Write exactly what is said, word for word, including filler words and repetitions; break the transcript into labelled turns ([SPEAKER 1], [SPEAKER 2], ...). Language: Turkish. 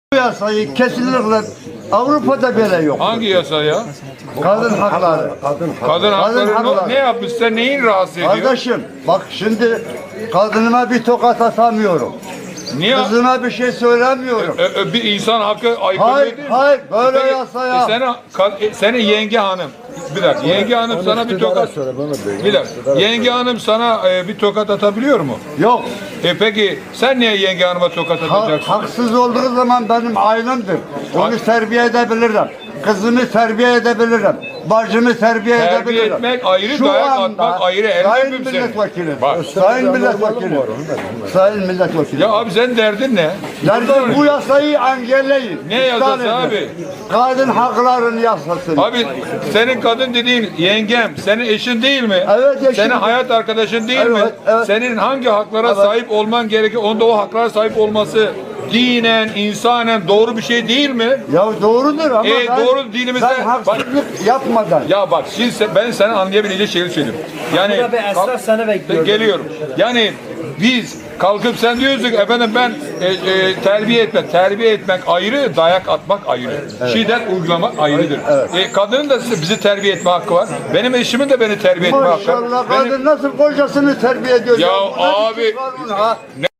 [SPEAKER 1] Bu yasayı kesinlikle Avrupa'da böyle yok.
[SPEAKER 2] Hangi yasa ya?
[SPEAKER 1] Kadın hakları.
[SPEAKER 3] Kadın
[SPEAKER 2] Kadın hakları ne-
[SPEAKER 1] hakları.
[SPEAKER 2] ne yapmış? Sen neyin rahatsız ediyor?
[SPEAKER 1] Kardeşim bak şimdi kadınıma bir tokat atamıyorum.
[SPEAKER 2] Niye?
[SPEAKER 1] Kızıma bir şey söylemiyorum.
[SPEAKER 2] Ö- ö- bir insan hakkı aykırı
[SPEAKER 1] Hayır,
[SPEAKER 2] değil mi?
[SPEAKER 1] hayır, böyle
[SPEAKER 2] Peki,
[SPEAKER 1] yasa ya.
[SPEAKER 2] E, senin, ka- e, senin yenge hanım. Bir dakika. Yenge hanım sana bir tokat. Bir dakika. Yenge hanım sana e, bir tokat atabiliyor mu?
[SPEAKER 1] Yok.
[SPEAKER 2] E peki sen niye yenge hanıma tokat
[SPEAKER 1] Ha-
[SPEAKER 2] atacaksın?
[SPEAKER 1] haksız olduğu zaman benim ailemdir. Onu terbiye edebilirim. Kızımı terbiye edebilirim. Bacımı terbiye,
[SPEAKER 2] Terbiye
[SPEAKER 1] edebilirim.
[SPEAKER 2] etmek ayrı,
[SPEAKER 1] Şu
[SPEAKER 2] dayak
[SPEAKER 1] anda
[SPEAKER 2] atmak ayrı. El
[SPEAKER 1] Sayın
[SPEAKER 2] öpeyim seni.
[SPEAKER 1] milletvekili.
[SPEAKER 2] Bak.
[SPEAKER 1] Sayın milletvekili. Sayın milletvekili.
[SPEAKER 2] Ya abi senin derdin ne?
[SPEAKER 1] Derdim bu yasayı engelleyin.
[SPEAKER 2] Ne
[SPEAKER 1] İptal
[SPEAKER 2] yasası
[SPEAKER 1] edin.
[SPEAKER 2] abi?
[SPEAKER 1] Kadın haklarının yasasını.
[SPEAKER 2] Abi senin kadın dediğin yengem, senin eşin değil mi?
[SPEAKER 1] Evet, eşim.
[SPEAKER 2] Senin hayat arkadaşın değil
[SPEAKER 1] Evet,
[SPEAKER 2] mi?
[SPEAKER 1] evet.
[SPEAKER 2] Senin hangi haklara
[SPEAKER 1] Evet.
[SPEAKER 2] sahip olman gerekiyor? Onda o haklara sahip olması dinen, insanen doğru bir şey değil mi?
[SPEAKER 1] Ya doğrudur ama
[SPEAKER 2] E,
[SPEAKER 1] ben,
[SPEAKER 2] doğru dinimizde-
[SPEAKER 1] ben haksızlık yapmadan.
[SPEAKER 2] Ya bak şimdi sen- ben sana anlayabileceği şeyi söyleyeyim. Yani
[SPEAKER 4] Burada bir esnaf seni bekliyor.
[SPEAKER 2] geliyorum. Yani biz kalkıp sen diyorsun ki efendim ben e, e, terbiye etmek, terbiye etmek ayrı, dayak atmak ayrı. Şiddet uygulamak ayrıdır. E, kadının da bizi terbiye etme hakkı var. Benim eşimin de beni terbiye etme hakkı var.
[SPEAKER 1] Maşallah
[SPEAKER 2] Benim-
[SPEAKER 1] kadın nasıl kocasını terbiye ediyor?
[SPEAKER 2] Ya
[SPEAKER 1] Bu nasıl
[SPEAKER 2] abi-
[SPEAKER 1] kanun ha?